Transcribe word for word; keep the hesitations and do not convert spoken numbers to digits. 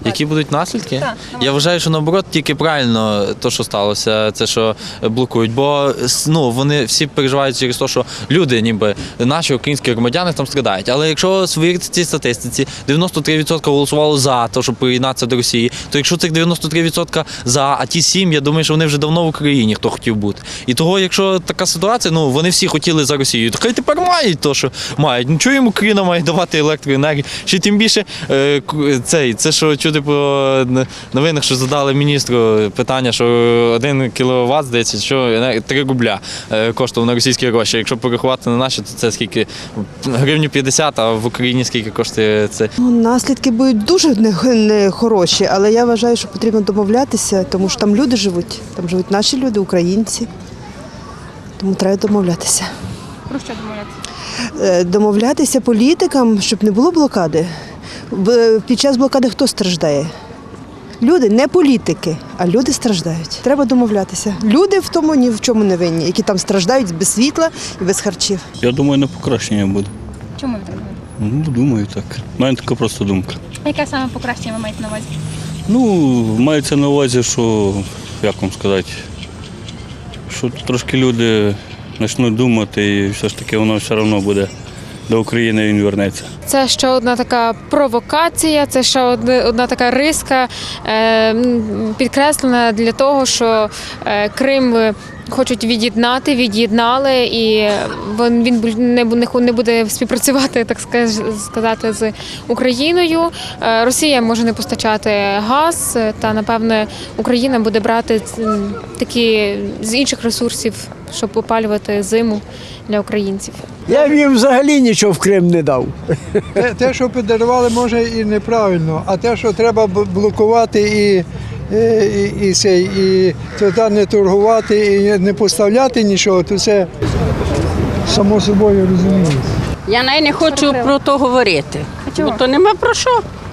Які будуть наслідки? Так. Я вважаю, що наоборот тільки правильно те, що сталося, це що блокують. Бо ну, вони всі переживають через те, що люди, ніби наші українські громадяни там страдають. Але якщо вірити цій статистиці, дев'яносто три відсотки голосувало за те, щоб приєднатися до Росії, то якщо цих дев'яносто три відсотки за, а ті сім, я думаю, що вони вже давно в Україні, хто хотів бути. І того, якщо така ситуація, ну вони всі хотіли за Росію, то хай тепер мають те, що мають. Ну чого їм Україна має давати електроенергію? Ще тим більше е, цей, це що чути по новинах, що задали міністру питання, що один кіловат, здається, що три рубля коштував на російські гроші. Якщо порахувати на наші, то це скільки? Гривню п'ятдесят, а в Україні скільки коштує це? Ну, наслідки будуть дуже нехороші, але я вважаю, що потрібно домовлятися, тому що там люди живуть, там живуть наші люди, українці. Тому треба домовлятися. Про що домовлятися? Е, Домовлятися політикам, щоб не було блокади. В- Під час блокади хто страждає? Люди, не політики, а люди страждають. Треба домовлятися. Люди в тому ні в чому не винні, які там страждають без світла і без харчів. Я думаю, на покращення буде. Чому ви так думаєте? Ну, думаю, так. У мене така просто думка. Яке саме покращення ви маєте на увазі? Ну, мається на увазі, що, як вам сказати, що трошки люди почнуть думати і все ж таки воно все одно буде до України, він вернеться. Це ще одна така провокація, це ще одна, одна така риска, е, м, підкреслена для того, що е, Крим е, хочуть від'єднати, від'єднали, і він, він буль- не, бу- не ху- не буде співпрацювати, так скаж- сказати, з Україною. Е, Росія може не постачати газ, е, та, напевне, Україна буде брати м, такі з інших ресурсів, щоб опалювати зиму для українців. Я б їм взагалі нічого в Крим не дав. Те, те, що подарували, може і неправильно, а те, що треба б- блокувати і, і, і, і, цей, і туди не торгувати, і не поставляти нічого, то це само собою розуміється. Я навіть не хочу про то говорити, бо то нема про що.